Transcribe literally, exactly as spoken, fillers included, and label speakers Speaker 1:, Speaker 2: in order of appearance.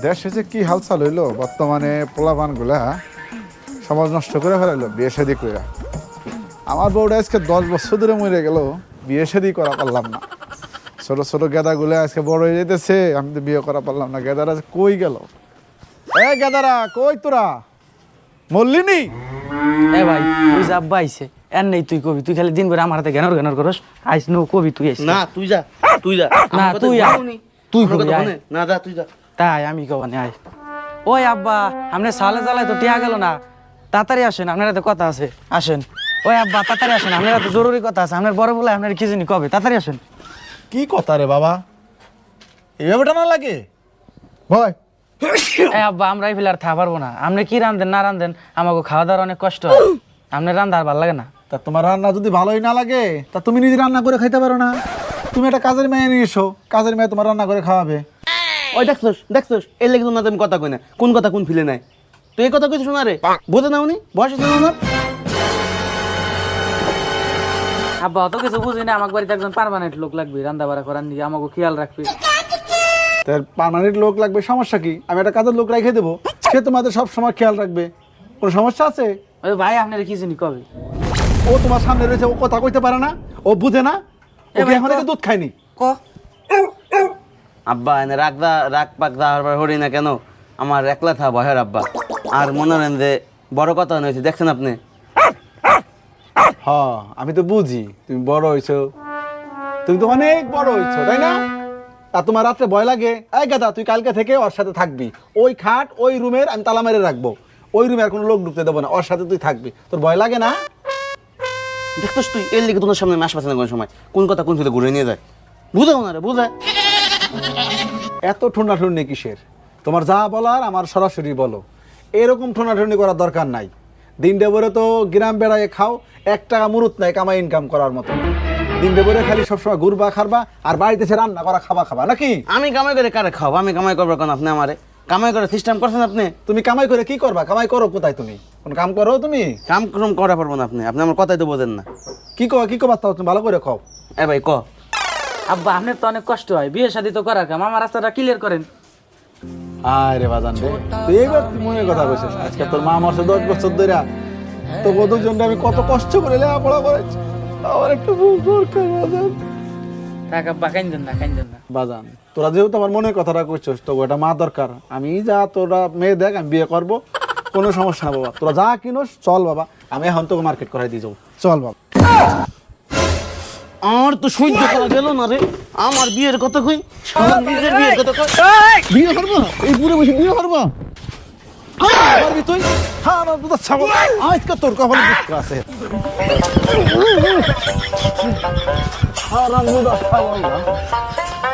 Speaker 1: দেশে যে কি হালচাল হইলো বর্তমানে পোলাপান গুলা সমাজ নষ্ট করে ফেলাইলো বিয়ে শাদি কইরা। আমার বউটা আজকে দশ বছর ধরে মরে গেল, বিয়ে শাদি করা পারলাম না। ছোট ছোট গেদাগুলো আজকে বড় হয়ে যেতেছে, আমি তো বিয়ে করা পারলাম না। গেদারা কই গেল? এ গেদারা কই তোরা? মল্লিনী
Speaker 2: এ ভাই তুই যা আব্বা আইছে এর নেই, তুই কবি, তুই খালি দিন ভরে আমার হাতে জ্ঞানর জ্ঞানর করস। আইস নো কবি তুই আইস
Speaker 3: না তুই যা, তুই যা।
Speaker 2: না তুই আয়, তুই কবি আয়।
Speaker 3: না যা তুই যা।
Speaker 2: তাই আমি কবানি আয়। ওই আব্বা আপনি সালে জ্বালায় তো টিয়া গেল না, তাড়াতাড়ি আসেন, আপনার হাতে কথা আছে, আসেন। ওই আব্বা তাড়াতাড়ি আসেন, আপনার হাতে জরুরি কথা আছে। আপনার বড় বলে আপনার কি জানি কবে, তাড়াতাড়ি আসেন।
Speaker 1: কি কথা রে বাবা, এইভাবে টানা লাগে ভয়?
Speaker 2: এই আব্বা আমরা এই ফেলে আর থা পারবো না। আপনি কি রান্ধেন না রান্ধেন আমাকে খাওয়া দাওয়ার অনেক কষ্ট হয়। আপনার রান্ধা আর ভালো লাগে না।
Speaker 1: তা তোমার রান্না যদি ভালোই না লাগে তা তুমি নিজে রান্না করে খাইতে পারো না? তুমি একটা কাজের মেয়ে নিয়ে এসো, কাজের মেয়ে তোমার রান্না করে খাওয়াবে।
Speaker 3: ওই দেখছস দেখছস এর লেগে না তুমি কথা কই না, কোন কথা কোন ফিলে নাই। তুই এই কথা কইছিস না রে, বোঝে না উনি বয়স হয়েছে না?
Speaker 2: আব্বা অত কিছু বুঝি না, আমার বাড়িতে একজন পার্মানেন্ট লোক লাগবে, রান্না বাড়া করার নিয়ে আমাকে খেয়াল রাখবে।
Speaker 1: তার পার্মানেন্ট লোক লাগবে, সমস্যা কি? আমি একটা কাজের লোক রেখে দেবো, সে তোমাদের সব সময় খেয়াল রাখবে। কোনো সমস্যা আছে?
Speaker 2: ওই ভাই আপনার কি জানি কবে?
Speaker 1: ও তোমার সামনে রয়েছে, ও কথা কইতে পারে না, ও বুঝে না, ও
Speaker 2: ভাই,
Speaker 1: এখন থেকে দুধ খায়নি।
Speaker 2: ক
Speaker 3: আব্বা এনে রাগ দা রাগ পাক দা আর হরি না কেন, আমার একলা থা ভয়ের আব্বা। আর মনে নেন যে বড় কথা হয়েছে, দেখছেন আপনি?
Speaker 1: হ আমি তো বুঝি তুমি বড় হইছো, তুমি তো অনেক বড় হইছো, তাই না? তা তোমার রাত্রে ভয় লাগে? এই গাদা তুই কালকে থেকে ওর সাথে থাকবি, ওই খাট ওই রুমের আমি তালা মেরে রাখবো, ওই রুমে আর কোনো লোক ঢুকতে দেবো না, ওর সাথে তুই থাকবি। তোর ভয় লাগে না?
Speaker 3: দেখছস তুই এর লেগে তোমার সামনে মাস পাচ্ছে না কোন সময়, কোন কথা কোন ফিলে ঘুরে নিয়ে যায়। বুঝাও না রে, বুঝায়।
Speaker 1: এত ঠোনাঠুনি কিসের? তোমার যা বলার আমার সরাসরি বলো, এরকম ঠোনাঠুনি করার দরকার নাই। দিনটা ভরে তো গ্রাম বেড়ায় খাও, এক টাকা মুরুত নাই কামাই ইনকাম করার মতো। দিনটা ভরে খালি সবসময় ঘুরবা খারবা আর বাড়িতে এসে রান্না করা খাবা খাবা নাকি?
Speaker 3: আমি কামাই করে কারে খাও? আমি কামাই করবো কেন? আপনি আমারে কামাই করে সিস্টেম করছেন আপনি।
Speaker 1: তুমি কামাই করে কি করবা? কামাই করো কোথায়? তুমি কোন কাম করো? তুমি
Speaker 3: কাম কম করা পারবো না আপনি, আপনি আমার কথাই তো বোঝেন না।
Speaker 1: কি কো কি কবা? তুমি ভালো করে খাও।
Speaker 3: এ ভাই ক।
Speaker 2: আব্বা আপনার তো অনেক কষ্ট হয়, বিয়ে শাদি তো করার কাম, আমার রাস্তাটা ক্লিয়ার করেন।
Speaker 1: আয় রে বাজান রে, তুই এইবার তুই মনের কথা বলছিস। আজকে তোর মা মরছে দশ বছর ধরে, তো দুজনটা আমি কত কষ্ট করে লেখাপড়া করেছি, আমার একটু ভুল দরকার বাজান।
Speaker 2: থাক আব্বা কাইন্দেন না, কাইন্দেন না।
Speaker 1: বাজান তোরা যেহেতু আমার মনের কথাটা করছিস, তো ওটা মা দরকার। আমি যা তোরা মেয়ে দেখ, আমি বিয়ে করবো, কোনো সমস্যা না বাবা। তোরা যা কিনোস চল বাবা, আমি এখন তোকে মার্কেট করাই দিয়ে যাবো, চল বাবা।
Speaker 3: আমার তো সহ্য করা গেল না রে, আমার বিয়ের কথা কই, আমার নিজের বিয়ের কথা কই।
Speaker 1: বিয়ে করবো? এই পুরো বসে বিয়ে করবো? পারবি তুই? হ্যাঁ আমার দুধ ছাগল, আজকে তোর কপালে দুঃখ আছে। হারাম দুধ ছাগল না।